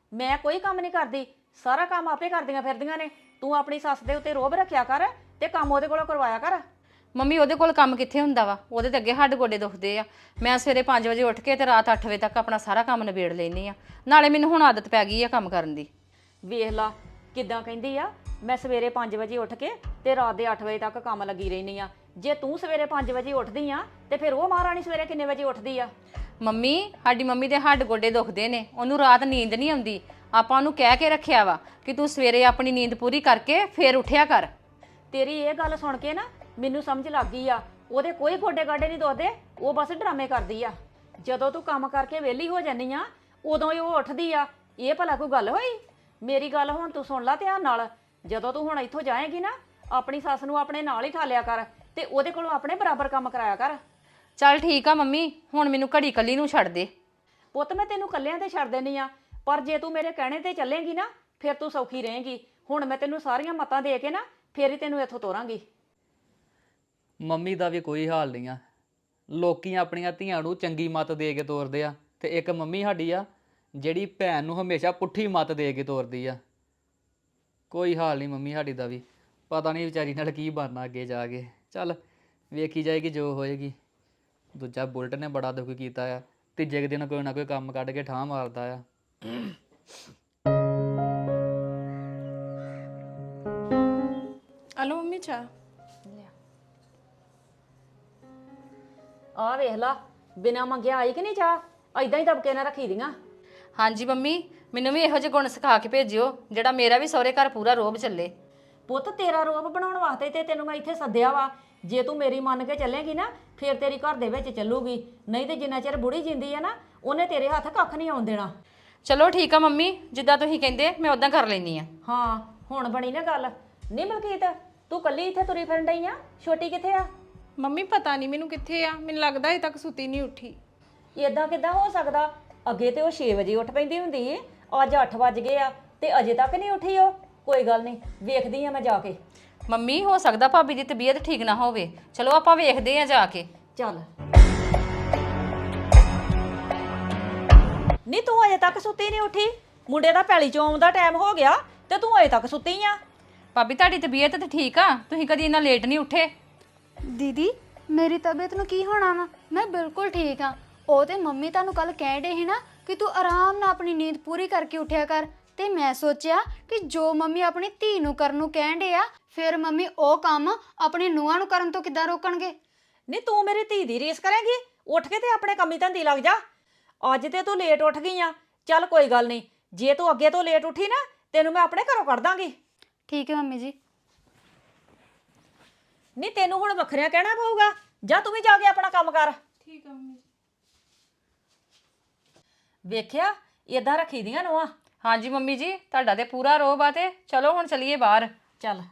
Speaker 1: ਮੈਂ ਕੋਈ ਕੰਮ ਨਹੀਂ ਕਰਦੀ, ਸਾਰਾ ਕੰਮ ਆਪੇ ਕਰਦੀਆਂ ਫਿਰਦੀਆਂ ਨੇ। ਤੂੰ ਆਪਣੀ ਸੱਸ ਦੇ ਉੱਤੇ ਰੋਹਬ ਰੱਖਿਆ ਕਰ ਤੇ ਕੰਮ ਉਹਦੇ ਕੋਲੋਂ ਕਰਵਾਇਆ ਕਰ।
Speaker 2: ਮੰਮੀ ਉਹਦੇ ਕੋਲ ਕੰਮ ਕਿੱਥੇ ਹੁੰਦਾ ਵਾ, ਉਹਦੇ ਤੇ ਅੱਗੇ ਹੱਡ ਗੋਡੇ ਦੁਖਦੇ ਆ। ਮੈਂ ਸਵੇਰੇ ਪੰਜ ਵਜੇ ਉੱਠ ਕੇ ਤੇ ਰਾਤ ਅੱਠ ਵਜੇ ਤੱਕ ਆਪਣਾ ਸਾਰਾ ਕੰਮ ਨਿਬੇੜ ਲੈਂਦੀ ਆ। ਨਾਲੇ ਮੈਨੂੰ ਹੁਣ ਆਦਤ ਪੈ ਗਈ ਆ ਕੰਮ ਕਰਨ ਦੀ।
Speaker 1: ਵੇਖ ਲਾ ਕਿੱਦਾਂ ਕਹਿੰਦੀ ਆ, ਮੈਂ ਸਵੇਰੇ ਪੰਜ ਵਜੇ ਉੱਠ ਕੇ ਤੇ ਰਾਤ ਦੇ ਅੱਠ ਵਜੇ ਤੱਕ ਕੰਮ ਲੱਗੀ ਰਹਿੰਦੀ ਆ। ਜੇ ਤੂੰ ਸਵੇਰੇ ਪੰਜ ਵਜੇ ਉੱਠਦੀ ਆ ਤੇ ਫਿਰ ਉਹ ਮਹਾਰਾਣੀ ਸਵੇਰੇ ਕਿੰਨੇ ਵਜੇ ਉੱਠਦੀ ਆ?
Speaker 2: ਮੰਮੀ ਸਾਡੀ ਮੰਮੀ ਦੇ ਹੱਡ ਗੋਡੇ ਦੁਖਦੇ ਨੇ, ਉਹਨੂੰ ਰਾਤ ਨੀਂਦ ਨਹੀਂ ਆਉਂਦੀ। ਆਪਾਂ ਉਹਨੂੰ ਕਹਿ ਕੇ ਰੱਖਿਆ ਵਾ ਕਿ ਤੂੰ ਸਵੇਰੇ ਆਪਣੀ ਨੀਂਦ ਪੂਰੀ ਕਰਕੇ ਫੇਰ ਉੱਠਿਆ ਕਰ।
Speaker 1: ਤੇਰੀ ਇਹ ਗੱਲ ਸੁਣ ਕੇ ਨਾ ਮੈਨੂੰ ਸਮਝ ਲੱਗ ਗਈ ਆ, ਉਹਦੇ ਕੋਈ ਗੋਡੇ ਗਾਡੇ ਨਹੀਂ ਦੁਖਦੇ, ਉਹ ਬਸ ਡਰਾਮੇ ਕਰਦੀ ਆ। ਜਦੋਂ ਤੂੰ ਕੰਮ ਕਰਕੇ ਵਿਹਲੀ ਹੋ ਜਾਂਦੀ ਆ ਉਦੋਂ ਹੀ ਉਹ ਉੱਠਦੀ ਆ। ਇਹ ਭਲਾ ਕੋਈ ਗੱਲ ਹੋਈ? ਮੇਰੀ ਗੱਲ ਹੁਣ ਤੂੰ ਸੁਣ ਲੈ ਧਿਆਨ ਨਾਲ। ਜਦੋਂ ਤੂੰ ਹੁਣ ਇੱਥੋਂ ਜਾਏਂਗੀ ਨਾ ਆਪਣੀ ਸੱਸ ਨੂੰ ਆਪਣੇ ਨਾਲ ਹੀ ਠਾਲਿਆ ਕਰ ਤੇ ਉਹਦੇ ਕੋਲੋਂ ਆਪਣੇ ਬਰਾਬਰ ਕੰਮ ਕਰਾਇਆ ਕਰ।
Speaker 2: ਚੱਲ ਠੀਕ ਆ ਮੰਮੀ, ਹੁਣ ਮੈਨੂੰ ਘੜੀ ਕੱਲੀ ਨੂੰ ਛੱਡ ਦੇ।
Speaker 1: ਪੁੱਤ ਮੈਂ ਤੈਨੂੰ ਕੱਲਿਆਂ ਤੇ ਛੱਡ ਦੇਣੀ ਆ, ਪਰ ਜੇ ਤੂੰ ਮੇਰੇ ਕਹਿਣੇ ਤੇ ਚੱਲੇਂਗੀ ਨਾ ਫਿਰ ਤੂੰ ਸੌਖੀ ਰਹੇਂਗੀ। ਹੁਣ ਮੈਂ ਤੈਨੂੰ ਸਾਰੀਆਂ ਮੱਤਾਂ ਦੇ ਕੇ ਨਾ ਫੇਰ ਹੀ ਤੈਨੂੰ ਇੱਥੋਂ ਤੋਰਾਂਗੀ।
Speaker 5: ਮੰਮੀ ਦਾ ਵੀ ਕੋਈ ਹਾਲ ਨਹੀਂ ਆ। ਲੋਕੀ ਆਪਣੀਆਂ ਧੀਆਂ ਨੂੰ ਚੰਗੀ ਮੱਤ ਦੇ ਕੇ ਤੋਰਦੇ ਆ ਤੇ ਇੱਕ ਮੰਮੀ ਸਾਡੀ ਆ ਜਿਹੜੀ ਭੈਣ ਨੂੰ ਹਮੇਸ਼ਾ ਪੁੱਠੀ ਮੱਤ ਦੇ ਕੇ ਤੋਰਦੀ ਆ। ਕੋਈ ਹਾਲ ਨਹੀਂ ਮੰਮੀ ਸਾਡੀ ਦਾ ਵੀ। ਪਤਾ ਨਹੀਂ ਵਿਚਾਰੀ ਨਾਲ ਕੀ ਬਣਨਾ ਅੱਗੇ ਜਾ ਕੇ। ਚੱਲ ਵੇਖੀ ਜਾਏਗੀ ਜੋ ਹੋਏਗੀ। ਦੂਜਾ ਬੁਲਟ ਨੇ ਬੜਾ ਦੁੱਖ ਕੀਤਾ ਆ, ਤੀਜੇ ਕੁ ਦਿਨ ਕੋਈ ਨਾ ਕੋਈ ਕੰਮ ਕੱਢ ਕੇ ਠਾਹ ਮਾਰਦਾ ਆ।
Speaker 4: ਹਲੋ ਮੰਮੀ ਚਾਹ।
Speaker 1: ਆਹ ਵੇਖ ਲਾ ਬਿਨਾਂ ਮੰਗਿਆ ਆਈ ਕਿ ਨਹੀਂ ਚਾਹ, ਐਦਾਂ ਹੀ ਦਬਕੇ ਨਾ ਰੱਖੀ ਦੀਆਂ।
Speaker 2: ਹਾਂਜੀ ਮੰਮੀ, ਮੈਨੂੰ ਵੀ ਇਹੋ ਜਿਹੇ ਗੁਣ ਸਿਖਾ ਕੇ ਭੇਜਿਓ ਜਿਹੜਾ ਮੇਰਾ ਵੀ ਸਹੁਰੇ ਘਰ ਪੂਰਾ ਰੋਹਬ ਚੱਲੇ।
Speaker 1: ਪੁੱਤ ਤੇਰਾ ਰੋਬ ਬਣਾਉਣ ਵਾਸਤੇ ਤੇ ਤੈਨੂੰ ਮੈਂ ਇੱਥੇ ਸੱਦਿਆ ਵਾ। ਜੇ ਤੂੰ ਮੇਰੀ ਮੰਨ ਕੇ ਚੱਲੇਗੀ ਨਾ ਫਿਰ ਤੇਰੀ ਘਰ ਦੇ ਵਿੱਚ ਚੱਲੂਗੀ, ਨਹੀਂ ਤੇ ਜਿੰਨਾ ਚਿਰ ਬੁੜੀ ਜਿੰਦੀ ਆ ਨਾ ਉਹਨੇ ਤੇਰੇ ਹੱਥ ਕੱਖ ਨਹੀਂ ਆਉਣ ਦੇਣਾ।
Speaker 2: ਚਲੋ ਠੀਕ ਆ ਮੰਮੀ, ਜਿੱਦਾਂ ਤੁਸੀਂ ਕਹਿੰਦੇ ਮੈਂ ਉਦਾਂ ਕਰ ਲੈਂਦੀ ਆ।
Speaker 1: ਹਾਂ ਹੁਣ ਬਣੀ ਨਾ ਗੱਲ। ਨਹੀਂ ਮਲਕੀਤ ਤੂੰ ਕੱਲੀ ਇੱਥੇ ਤੁਰੀ ਫਿਰਨ ਡਈ ਆ, ਛੋਟੀ ਕਿੱਥੇ ਆ?
Speaker 4: ਮੰਮੀ ਪਤਾ ਨਹੀਂ ਮੈਨੂੰ ਕਿੱਥੇ ਆ, ਮੈਨੂੰ ਲੱਗਦਾ ਅਜੇ ਤੱਕ ਸੁੱਤੀ ਨਹੀਂ ਉੱਠੀ।
Speaker 1: ਇਦਾਂ ਕਿੱਦਾਂ ਹੋ ਸਕਦਾ? ਅੱਗੇ ਤੇ ਉਹ ਛੇ ਵਜੇ ਉੱਠ ਪੈਂਦੀ ਹੁੰਦੀ ਏ, ਅੱਜ ਅੱਠ ਵੱਜ ਗਏ ਆ ਤੇ ਅਜੇ ਤੱਕ ਨਹੀਂ ਉੱਠੀ ਉਹ। ਕੋਈ ਗੱਲ ਨਹੀਂ, ਵੇਖਦੀ ਆ ਮੈਂ ਜਾ ਕੇ।
Speaker 2: ਮੰਮੀ ਹੋ ਸਕਦਾ ਭਾਬੀ ਦੀ ਤਬੀਅਤ ਠੀਕ ਨਾ ਹੋਵੇ, ਚਲੋ ਆਪਾਂ ਵੇਖਦੇ ਆ ਜਾ ਕੇ।
Speaker 1: ਚੱਲ ਨਹੀਂ ਤੂੰ ਅਜੇ ਤੱਕ ਸੁੱਤੀ ਨਹੀਂ ਉੱਠੀ? ਮੁੰਡੇ ਦਾ ਪੈਲੀ ਚੋਂ ਆਉਣ ਦਾ ਟਾਈਮ ਹੋ ਗਿਆ ਤੇ ਤੂੰ ਅਜੇ ਤੱਕ ਸੁੱਤੀ ਆ?
Speaker 2: ਭਾਬੀ ਤੁਹਾਡੀ ਤਬੀਅਤ ਤਾਂ ਠੀਕ ਆ, ਤੁਸੀਂ ਕਦੀ ਇੰਨਾ ਲੇਟ ਨਹੀਂ ਉੱਠੇ।
Speaker 3: ਦੀਦੀ ਮੇਰੀ ਤਬੀਅਤ ਨੂੰ ਕੀ ਹੋਣਾ ਵਾ, ਮੈਂ ਬਿਲਕੁਲ ਠੀਕ ਆ। ਉਹ ਤੇ ਮੰਮੀ ਤੁਹਾਨੂੰ ਕੱਲ ਕਹਿ ਡੇ ਸੀ ਨਾ ਕਿ ਤੂੰ ਆਰਾਮ ਨਾਲ ਆਪਣੀ ਨੀਂਦ ਪੂਰੀ ਕਰਕੇ ਉੱਠਿਆ ਕਰ, ਤੇ ਮੈਂ ਸੋਚਿਆ ਕਿ ਜੋ ਮੰਮੀ ਆਪਣੀ ਧੀ ਨੂੰ ਕਰਨ ਨੂੰ ਕਹਿਣ ਡੇ ਆ ਫਿਰ ਮੰਮੀ ਉਹ ਕੰਮ ਆਪਣੀ ਨੂੰਹਾਂ ਨੂੰ ਕਰਨ ਤੋਂ ਕਿੱਦਾਂ ਰੋਕਣਗੇ।
Speaker 1: ਨਹੀਂ ਤੂੰ ਮੇਰੀ ਧੀ ਦੀ ਰੀਸ ਕਰੇਂਗੀ? ਉੱਠ ਕੇ ਤੇ ਆਪਣੇ ਕੰਮੀ ਧੰਦੀ ਲੱਗ ਜਾ। ਅੱਜ ਤੇ ਤੂੰ ਲੇਟ ਉੱਠ ਗਈ ਆ, ਚੱਲ ਕੋਈ ਗੱਲ ਨਹੀਂ, ਜੇ ਤੂੰ ਅੱਗੇ ਤੋਂ ਲੇਟ ਉੱਠੀ ਨਾ ਤੈਨੂੰ ਮੈਂ ਆਪਣੇ ਘਰੋਂ ਕੱਢ ਦਾਂਗੀ।
Speaker 3: ਠੀਕ ਹੈ ਮੰਮੀ ਜੀ।
Speaker 1: ਨਹੀਂ ਤੈਨੂੰ ਹੁਣ ਵੱਖਰਿਆਂ ਕਹਿਣਾ ਪਊਗਾ, ਜਾ ਤੂੰ ਵੀ ਜਾ ਕੇ ਆਪਣਾ ਕੰਮ ਕਰ।
Speaker 4: ਠੀਕ ਆ ਮੰਮੀ।
Speaker 1: ਵੇਖਿਆ ਏਦਾਂ ਰੱਖੀ ਦੀਆਂ ਨੂੰਹਾਂ।
Speaker 2: ਹਾਂਜੀ ਮੰਮੀ ਜੀ, ਤੁਹਾਡਾ ਤੇ ਪੂਰਾ ਰੋਹਬ ਆ। ਤੇ ਚਲੋ ਹੁਣ ਚਲੀਏ ਬਾਹਰ।
Speaker 1: ਚੱਲ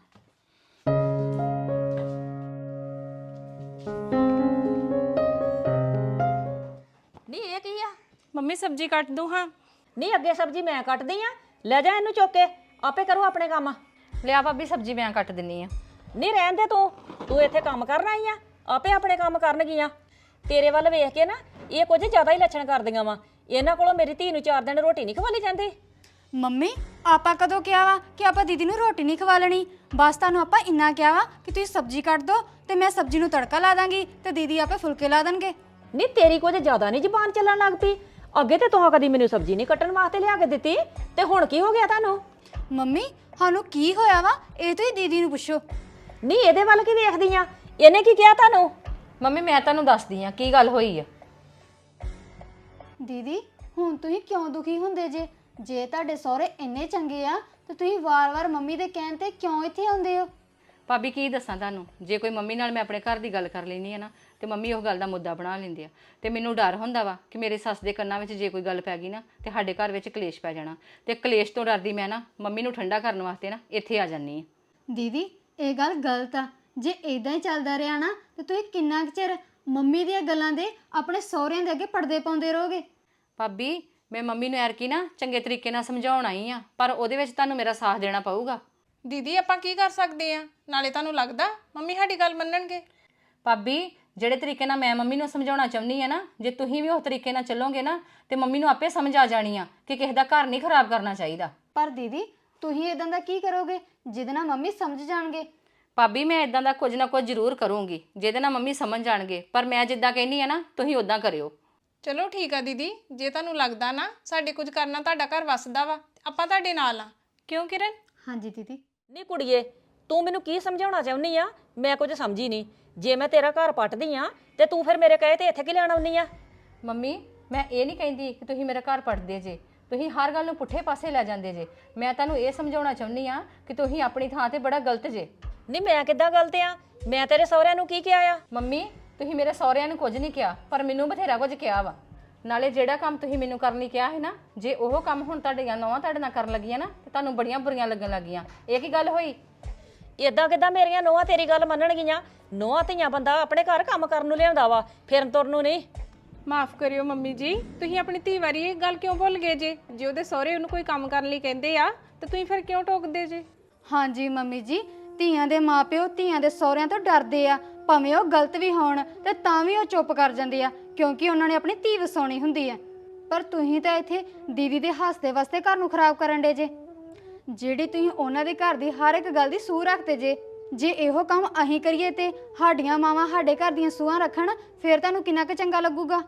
Speaker 1: ਨਹੀਂ ਇਹ ਕੀ ਆ?
Speaker 4: ਮੰਮੀ ਸਬਜ਼ੀ ਕੱਟ ਦੂੰ ਹਾਂ।
Speaker 1: ਨਹੀਂ ਅੱਗੇ ਸਬਜ਼ੀ ਮੈਂ ਕੱਟਦੀ ਆ, ਲੈ ਜਾ ਇਹਨੂੰ ਚੁੱਕ ਕੇ, ਆਪੇ ਕਰੋ ਆਪਣੇ ਕੰਮ।
Speaker 2: ਲਿਆ ਭਾਬੀ ਸਬਜ਼ੀ ਮੈਂ ਕੱਟ ਦਿੰਨੀ ਆ।
Speaker 1: ਨਹੀਂ ਰਹਿਣ ਦੇ, ਤੂੰ ਤੂੰ ਇੱਥੇ ਕੰਮ ਕਰਨ ਆਈ ਆ, ਆਪੇ ਆਪਣੇ ਕੰਮ ਕਰਨਗੀਆਂ। ਤੇਰੇ ਵੱਲ ਵੇਖ ਕੇ ਨਾ ਇਹ ਕੁਝ ਜ਼ਿਆਦਾ ਹੀ ਲੱਛਣ ਕਰਦੀਆਂ ਵਾ। ਇਹਨਾਂ ਕੋਲੋਂ ਮੇਰੀ ਧੀ ਨੂੰ ਚਾਰ ਦਿਨ ਰੋਟੀ ਨਹੀਂ ਖਵਾਲੀ ਜਾਂਦੀ।
Speaker 3: ਮੰਮੀ ਆਪਾਂ ਕਦੋਂ ਕਿਹਾ ਵਾ ਕਿ ਆਪਾਂ ਦੀਦੀ ਨੂੰ ਰੋਟੀ ਨਹੀਂ ਖਵਾ ਲੈਣੀ? ਬਸ ਤੁਹਾਨੂੰ ਆਪਾਂ ਇੰਨਾ ਕਿਹਾ ਵਾ ਕਿ ਤੁਸੀਂ ਸਬਜ਼ੀ ਕੱਟ ਦਿਓ ਤੇ ਮੈਂ ਸਬਜ਼ੀ ਨੂੰ ਤੜਕਾ ਲਾ ਦਾਂਗੀ ਤੇ ਦੀਦੀ ਆਪੇ ਫੁਲਕੇ ਲਾ ਦੇਣਗੇ।
Speaker 1: ਨਹੀਂ ਤੇਰੀ ਕੁਝ ਜ਼ਿਆਦਾ ਨਹੀਂ ਜ਼ਬਾਨ ਚੱਲਣ ਲੱਗ ਪਈ? ਅੱਗੇ ਤੇ ਤੂੰ ਕਦੀ ਮੈਨੂੰ ਸਬਜ਼ੀ ਨਹੀਂ ਕੱਟਣ ਵਾਸਤੇ ਲਿਆ ਕੇ ਦਿੱਤੀ, ਤੇ ਹੁਣ ਕੀ ਹੋ ਗਿਆ ਤੁਹਾਨੂੰ?
Speaker 3: ਮੰਮੀ ਸਾਨੂੰ ਕੀ ਹੋਇਆ ਵਾ ਇਹ ਤੁਸੀਂ ਦੀਦੀ ਨੂੰ ਪੁੱਛੋ।
Speaker 1: ਨਹੀਂ ਇਹਦੇ ਵੱਲ ਕੀ ਵੇਖਦੀ ਆ? ਇਹਨੇ ਕੀ ਕਿਹਾ ਤੁਹਾਨੂੰ?
Speaker 2: ਮੰਮੀ ਮੈਂ ਤੁਹਾਨੂੰ ਦੱਸਦੀ ਆ ਕੀ ਗੱਲ ਹੋਈ ਆ।
Speaker 3: ਦੀਦੀ ਹੁਣ ਤੁਸੀਂ ਕਿਉਂ ਦੁਖੀ ਹੁੰਦੇ ਜੇ? ਜੇ ਤੁਹਾਡੇ ਸਹੁਰੇ ਇੰਨੇ ਚੰਗੇ ਆ ਤੇ ਤੁਸੀਂ ਵਾਰ-ਵਾਰ ਮੰਮੀ ਦੇ ਕਹਿਣ ਤੇ ਕਿਉਂ ਇੱਥੇ ਆਉਂਦੇ ਹੋ?
Speaker 2: ਭਾਬੀ ਕੀ ਦੱਸਾਂ ਤੁਹਾਨੂੰ, ਜੇ ਕੋਈ ਮੰਮੀ ਨਾਲ ਮੈਂ ਆਪਣੇ ਘਰ ਦੀ ਗੱਲ ਕਰ ਲੈਣੀ ਆ ਨਾ ਤੇ ਮੰਮੀ ਉਹ ਗੱਲ ਦਾ ਮੁੱਦਾ ਬਣਾ ਲੈਂਦੇ ਆ। ਤੇ ਮੈਨੂੰ ਡਰ ਹੁੰਦਾ ਵਾ ਕਿ ਮੇਰੇ ਸੱਸ ਦੇ ਕੰਨਾਂ ਵਿੱਚ ਜੇ ਕੋਈ ਗੱਲ ਪੈ ਗਈ ਨਾ ਤੇ ਸਾਡੇ ਘਰ ਵਿੱਚ ਕਲੇਸ਼ ਪੈ ਜਾਣਾ। ਤੇ ਕਲੇਸ਼ ਤੋਂ ਡਰਦੀ ਮੈਂ ਨਾ ਮੰਮੀ ਨੂੰ ਠੰਡਾ ਕਰਨ ਵਾਸਤੇ ਨਾ ਇੱਥੇ ਆ ਜਾਂਦੀ ਆ।
Speaker 3: ਦੀਦੀ ਇਹ ਗੱਲ ਗਲਤ ਆ। ਜੇ ਇਦਾਂ ਹੀ ਚੱਲਦਾ ਰਿਹਾ ਨਾ ਤੇ ਤੁਸੀਂ ਕਿੰਨਾ ਕੁ ਚਿਰ ਮੰਮੀ ਦੀਆਂ ਗੱਲਾਂ ਦੇ ਆਪਣੇ ਸਹੁਰਿਆਂ ਦੇ ਅੱਗੇ ਪਰਦੇ ਪਾਉਂਦੇ ਰਹੋਗੇ?
Speaker 2: ਭਾਬੀ ਮੈਂ ਮੰਮੀ ਨੂੰ ਐਰਕੀ ਨਾ ਚੰਗੇ ਤਰੀਕੇ ਨਾਲ ਸਮਝਾਉਣ ਆਈ ਆ, ਪਰ ਉਹਦੇ ਵਿੱਚ ਤੁਹਾਨੂੰ ਮੇਰਾ ਸਾਥ ਦੇਣਾ ਪਊਗਾ।
Speaker 4: ਦੀਦੀ ਆਪਾਂ ਕੀ ਕਰ ਸਕਦੇ ਆ? ਨਾਲੇ ਤੁਹਾਨੂੰ ਲੱਗਦਾ ਮੰਮੀ ਸਾਡੀ ਗੱਲ ਮੰਨਣਗੇ?
Speaker 2: ਭਾਬੀ ਜਿਹੜੇ ਤਰੀਕੇ ਨਾਲ ਮੈਂ ਮੰਮੀ ਨੂੰ ਸਮਝਾਉਣਾ ਚਾਹੁੰਦੀ ਆ ਨਾ, ਜੇ ਤੁਸੀਂ ਵੀ ਉਸ ਤਰੀਕੇ ਨਾਲ ਚੱਲੋਗੇ ਨਾ ਤੇ ਮੰਮੀ ਨੂੰ ਆਪੇ ਸਮਝ ਆ ਜਾਣੀ ਆ ਕਿ ਕਿਸੇ ਦਾ ਘਰ ਨਹੀਂ ਖਰਾਬ ਕਰਨਾ ਚਾਹੀਦਾ।
Speaker 3: ਪਰ ਦੀਦੀ ਤੁਸੀਂ ਇਦਾਂ ਦਾ ਕੀ ਕਰੋਗੇ ਜਿਹਦੇ ਨਾਲ ਮੰਮੀ ਸਮਝ ਜਾਣਗੇ?
Speaker 2: ਭਾਬੀ ਮੈਂ ਇਦਾਂ ਦਾ ਕੁਝ ਨਾ ਕੁਝ ਜ਼ਰੂਰ ਕਰੂੰਗੀ ਜਿਹਦੇ ਨਾਲ ਮੰਮੀ ਸਮਝ ਜਾਣਗੇ, ਪਰ ਮੈਂ ਜਿੱਦਾਂ ਕਹਿੰਦੀ ਆ ਨਾ ਤੁਸੀਂ ਉਦਾਂ ਕਰਿਓ।
Speaker 4: ਚਲੋ ਠੀਕ ਆ ਦੀਦੀ, ਜੇ ਤੁਹਾਨੂੰ ਲੱਗਦਾ ਨਾ ਸਾਡੇ ਕੁਝ ਕਰਨਾ ਤੁਹਾਡਾ ਘਰ ਵਸਦਾ ਵਾ, ਆਪਾਂ ਤੁਹਾਡੇ ਨਾਲ ਆ। ਕਿਉਂ ਕਿਰਨ?
Speaker 3: ਹਾਂਜੀ ਦੀਦੀ।
Speaker 1: ਨਹੀਂ ਕੁੜੀਏ, ਤੂੰ ਮੈਨੂੰ ਕੀ ਸਮਝਾਉਣਾ ਚਾਹੁੰਦੀ ਆ? ਮੈਂ ਕੁਝ ਸਮਝੀ ਨਹੀਂ। ਜੇ ਮੈਂ ਤੇਰਾ ਘਰ ਪੱਟਦੀ ਆ ਤੇ ਤੂੰ ਫਿਰ ਮੇਰੇ ਕਹੇ ਤੇ ਇੱਥੇ ਕੀ ਲੈਣ ਆਉਣੀ ਆ?
Speaker 2: ਮੰਮੀ ਮੈਂ ਇਹ ਨਹੀਂ ਕਹਿੰਦੀ ਕਿ ਤੁਸੀਂ ਮੇਰਾ ਘਰ ਪੜਦੇ ਜੇ, ਤੁਸੀਂ ਹਰ ਗੱਲ ਨੂੰ ਪੁੱਠੇ ਪਾਸੇ ਲੈ ਜਾਂਦੇ ਜੇ। ਮੈਂ ਤੁਹਾਨੂੰ ਇਹ ਸਮਝਾਉਣਾ ਚਾਹੁੰਦੀ ਆ ਕਿ ਤੁਸੀਂ ਆਪਣੀ ਥਾਂ ਤੇ ਬੜਾ ਗਲਤ ਜੇ।
Speaker 1: ਨਹੀਂ ਮੈਂ ਕਿੱਦਾਂ ਗਲਤ ਆ? ਮੈਂ ਤੇਰੇ ਸਹੁਰਿਆਂ ਨੂੰ ਕੀ ਕਿਹਾ ਆ?
Speaker 2: ਮੰਮੀ ਤੁਸੀਂ ਮੇਰੇ ਸਹੁਰਿਆਂ ਨੂੰ ਕੁਝ ਨਹੀਂ ਕਿਹਾ, ਪਰ ਮੈਨੂੰ ਬਥੇਰਾ ਕੁਝ ਕਿਹਾ ਵਾ। ਨਾਲੇ ਜਿਹੜਾ ਕੰਮ ਤੁਸੀਂ ਮੈਨੂੰ ਕਰਨ ਲਈ ਕਿਹਾ ਹੈ ਨਾ, ਜੇ ਉਹ ਕੰਮ ਹੁਣ ਤੁਹਾਡੀਆਂ ਨੌਵਾਂ ਤੁਹਾਡੇ ਨਾਲ ਕਰਨ ਲੱਗੀਆਂ ਨਾ ਤੇ ਤੁਹਾਨੂੰ ਬੜੀਆਂ ਬੁਰੀਆਂ ਲੱਗਣ ਲੱਗੀਆਂ। ਇਹ ਕੀ ਗੱਲ ਹੋਈ?
Speaker 1: ਇਦਾਂ ਕਿੱਦਾਂ ਮੇਰੀਆਂ ਨੋਹਾਂ ਤੇਰੀ ਗੱਲ ਮੰਨਣਗੀਆਂ? ਨੋਹਾਂ ਧੀਆਂ ਬੰਦਾ ਆਪਣੇ ਘਰ ਕੰਮ ਕਰਨ ਨੂੰ ਲਿਆਉਂਦਾ ਵਾ, ਫਿਰਨ ਤੁਰਨ ਨੂੰ ਨਹੀਂ।
Speaker 4: ਮਾਫ ਕਰਿਓ ਮੰਮੀ ਜੀ, ਤੁਸੀਂ ਆਪਣੀ ਧੀ ਵਾਰੀ ਇਹ ਗੱਲ ਕਿਉਂ ਭੁੱਲ ਗਏ ਜੇ? ਜੇ ਉਹਦੇ ਸਹੁਰੇ ਉਹਨੂੰ ਕੋਈ ਕੰਮ ਕਰਨ ਲਈ ਕਹਿੰਦੇ ਆ ਤੇ ਤੁਸੀਂ ਫਿਰ ਕਿਉਂ ਟੋਕਦੇ ਜੇ?
Speaker 3: ਹਾਂਜੀ ਮੰਮੀ ਜੀ, ਧੀਆਂ ਦੇ ਮਾਪਿਓ ਧੀਆਂ ਦੇ ਸਹੁਰਿਆਂ ਤੋਂ ਡਰਦੇ ਆ, ਭਾਵੇਂ ਉਹ ਗਲਤ ਵੀ ਹੋਣ ਤੇ ਤਾਂ ਵੀ ਉਹ ਚੁੱਪ ਕਰ ਜਾਂਦੇ ਆ ਕਿਉਂਕਿ ਉਹਨਾਂ ਨੇ ਆਪਣੀ ਧੀ ਵਸਾਉਣੀ ਹੁੰਦੀ ਆ। ਪਰ ਤੁਸੀਂ ਤਾਂ ਇੱਥੇ ਦੀਦੀ ਦੇ ਹੱਸਦੇ ਵਾਸਤੇ ਘਰ ਨੂੰ ਖਰਾਬ ਕਰਨ ਡੇ ਜੇ, ਜਿਹੜੀ ਤੁਸੀਂ ਉਹਨਾਂ ਦੇ ਘਰ ਦੀ ਹਰ ਇੱਕ ਗੱਲ ਦੀ ਸੂਹ ਰੱਖਦੇ ਜੇ। ਜੇ ਇਹੋ ਕੰਮ ਅਸੀਂ ਕਰੀਏ ਤੇ ਸਾਡੀਆਂ ਮਾਵਾਂ ਸਾਡੇ ਘਰ ਦੀਆਂ ਸੂਹਾਂ ਰੱਖਣ, ਫਿਰ ਤੁਹਾਨੂੰ ਕਿੰਨਾ ਕੁ ਚੰਗਾ ਲੱਗੂਗਾ।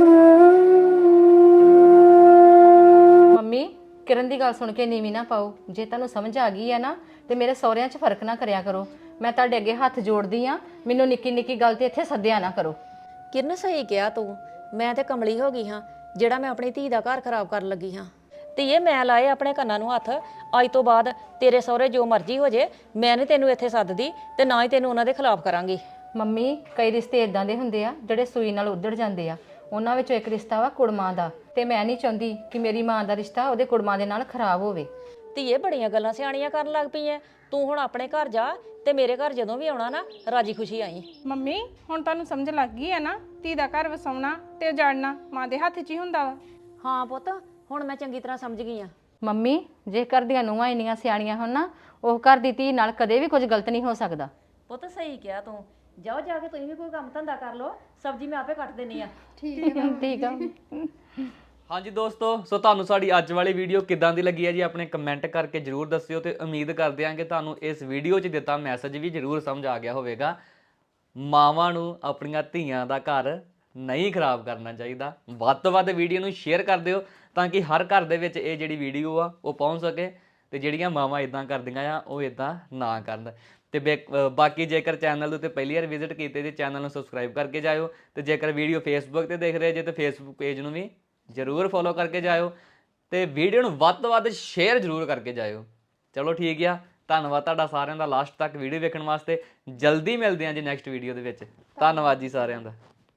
Speaker 2: ਮੰਮੀ ਕਿਰਨ ਦੀ ਗੱਲ ਸੁਣ ਕੇ ਨੀਵੀਂ ਨਾ ਪਾਓ। ਜੇ ਤੁਹਾਨੂੰ ਸਮਝ ਆ ਗਈ ਹੈ ਨਾ ਤੇ ਮੇਰੇ ਸਹੁਰਿਆਂ 'ਚ ਫਰਕ ਨਾ ਕਰਿਆ ਕਰੋ। ਮੈਂ ਤੁਹਾਡੇ ਅੱਗੇ ਹੱਥ ਜੋੜਦੀ ਆ, ਮੈਨੂੰ ਨਿੱਕੀ ਨਿੱਕੀ ਗੱਲ ਤੇ ਇੱਥੇ ਸੱਦਿਆ ਨਾ ਕਰੋ।
Speaker 1: ਕਿਰਨ ਸਹੀ ਕਿਹਾ ਤੂੰ, ਮੈਂ ਤੇ ਕਮਲੀ ਹੋ ਗਈ ਹਾਂ ਜਿਹੜਾ ਮੈਂ ਆਪਣੀ ਧੀ ਦਾ ਘਰ ਖਰਾਬ ਕਰਨ ਲੱਗੀ ਹਾਂ। ਧੀਏ ਮੈਂ ਲਾਏ ਆਪਣੇ ਕੰਨਾਂ ਨੂੰ ਹੱਥ, ਅੱਜ ਤੋਂ ਬਾਅਦ ਤੇਰੇ ਸਹੁਰੇ ਜੋ ਮਰਜ਼ੀ ਹੋ ਜੇ, ਮੈਂ ਨਹੀਂ ਤੈਨੂੰ ਇੱਥੇ ਸੱਦਦੀ ਤੇ ਨਾ ਹੀ ਤੈਨੂੰ ਉਹਨਾਂ ਦੇ ਖਿਲਾਫ ਕਰਾਂਗੀ।
Speaker 2: ਮੰਮੀ ਕਈ ਰਿਸ਼ਤੇ ਇਦਾਂ ਦੇ ਹੁੰਦੇ ਆ ਜਿਹੜੇ ਸੂਈ ਨਾਲ ਉੱਧੜ ਜਾਂਦੇ ਆ। ਉਹਨਾਂ ਵਿੱਚੋਂ ਇੱਕ ਰਿਸ਼ਤਾ ਵਾ ਕੁੜਮਾਂ ਦਾ, ਤੇ ਮੈਂ ਨਹੀਂ ਚਾਹੁੰਦੀ ਕਿ ਮੇਰੀ ਮਾਂ ਦਾ ਰਿਸ਼ਤਾ ਉਹਦੇ ਕੁੜਮਾਂ ਦੇ ਨਾਲ ਖਰਾਬ ਹੋਵੇ।
Speaker 1: ਧੀਏ ਬੜੀਆਂ ਗੱਲਾਂ ਸਿਆਣੀਆਂ ਕਰਨ ਲੱਗ ਪਈ ਐ ਤੂੰ। ਹੁਣ ਆਪਣੇ ਘਰ ਜਾ ਤੇ ਮੇਰੇ ਘਰ ਜਦੋਂ ਵੀ ਆਉਣਾ ਨਾ ਰਾਜੀ ਖੁਸ਼ੀ ਆਈ।
Speaker 4: ਮੰਮੀ ਹੁਣ ਤੁਹਾਨੂੰ ਸਮਝ ਲੱਗ ਗਈ ਹੈ ਨਾ, ਧੀ ਦਾ ਘਰ ਵਸਾਉਣਾ ਤੇ ਉਜਾੜਨਾ ਮਾਂ ਦੇ ਹੱਥ 'ਚ ਹੀ ਹੁੰਦਾ ਵਾ।
Speaker 1: ਹਾਂ ਪੁੱਤ, ਹੁਣ ਮੈਂ ਚੰਗੀ ਤਰ੍ਹਾਂ ਸਮਝ ਗਈ ਆ।
Speaker 2: ਮੰਮੀ ਜੇ ਘਰ ਦੀਆਂ ਨੂੰਹਾਂ ਇੰਨੀਆਂ ਸਿਆਣੀਆਂ ਹੋਣ ਨਾ, ਉਹ ਘਰ ਦੀ ਧੀ ਨਾਲ ਕਦੇ ਵੀ ਕੁਝ ਗਲਤ ਨਹੀਂ ਹੋ ਸਕਦਾ।
Speaker 1: ਪੁੱਤ ਸਹੀ ਕਿਹਾ ਤੂੰ। ਜਾਓ ਜਾ ਕੇ ਤੁਸੀਂ ਵੀ ਕੋਈ ਕੰਮ ਧੰਦਾ ਕਰ ਲਓ, ਸਬਜ਼ੀ ਮੈਂ ਆਪੇ ਕੱਟ ਦੇਣੀ ਆ।
Speaker 2: ਠੀਕ ਆ।
Speaker 5: ਹਾਂਜੀ ਦੋਸਤੋ, ਸੋ ਤੁਹਾਨੂੰ ਸਾਡੀ ਅੱਜ ਵਾਲੀ ਵੀਡੀਓ ਕਿੱਦਾਂ ਦੀ ਲੱਗੀ ਹੈ ਜੀ ਆਪਣੇ ਕਮੈਂਟ ਕਰਕੇ ਜਰੂਰ ਦੱਸਿਓ ਤੇ ਉਮੀਦ ਕਰਦੇ ਹਾਂ ਕਿ ਤੁਹਾਨੂੰ ਇਸ ਵੀਡੀਓ 'ਚ ਦਿੱਤਾ ਮੈਸੇਜ ਵੀ ਜਰੂਰ ਸਮਝ ਆ ਗਿਆ ਹੋਵੇਗਾ। ਮਾਵਾਂ ਨੂੰ ਆਪਣੀਆਂ ਧੀਆਂ ਦਾ ਘਰ ਨਹੀਂ ਖਰਾਬ ਕਰਨਾ ਚਾਹੀਦਾ। ਵੱਧ ਤੋਂ ਵੱਧ ਵੀਡੀਓ ਨੂੰ ਸ਼ੇਅਰ ਕਰ ਦਿਓ ਤਾਂ ਕਿ ਹਰ ਘਰ ਦੇ ਵਿੱਚ ਇਹ ਜਿਹੜੀ ਵੀਡੀਓ ਆ ਉਹ ਪਹੁੰਚ ਸਕੇ ਤੇ ਜਿਹੜੀਆਂ ਮਾਵਾਂ ਇਦਾਂ ਕਰਦੀਆਂ ਆ ਉਹ ਇਦਾਂ ਨਾ ਕਰਨ। ਤੇ ਬਾਕੀ ਜੇਕਰ ਚੈਨਲ ਦੇ ਉੱਤੇ ਪਹਿਲੀ ਵਾਰ ਵਿਜ਼ਿਟ ਕੀਤੇ ਤੇ ਚੈਨਲ ਨੂੰ ਸਬਸਕ੍ਰਾਈਬ ਕਰਕੇ ਜਾਇਓ, ਤੇ ਜੇਕਰ ਵੀਡੀਓ ਫੇਸਬੁੱਕ ਤੇ ਦੇਖ ਰਹੇ ਜੇ ਤੇ ਫੇਸਬੁੱਕ ਪੇਜ ਨੂੰ ਵੀ ਜ਼ਰੂਰ ਫੋਲੋ ਕਰਕੇ ਜਾਇਓ ਤੇ ਵੀਡੀਓ ਨੂੰ ਵੱਧ ਤੋਂ ਵੱਧ ਸ਼ੇਅਰ ਜ਼ਰੂਰ ਕਰਕੇ ਜਾਇਓ। ਚਲੋ ਠੀਕ ਆ, ਧੰਨਵਾਦ ਤੁਹਾਡਾ ਸਾਰਿਆਂ ਦਾ ਲਾਸਟ ਤੱਕ ਵੀਡੀਓ ਵੇਖਣ ਵਾਸਤੇ। ਜਲਦੀ ਮਿਲਦੇ ਹਾਂ ਜੀ ਨੈਕਸਟ ਵੀਡੀਓ ਦੇ ਵਿੱਚ। ਧੰਨਵਾਦ ਜੀ ਸਾਰਿਆਂ ਦਾ।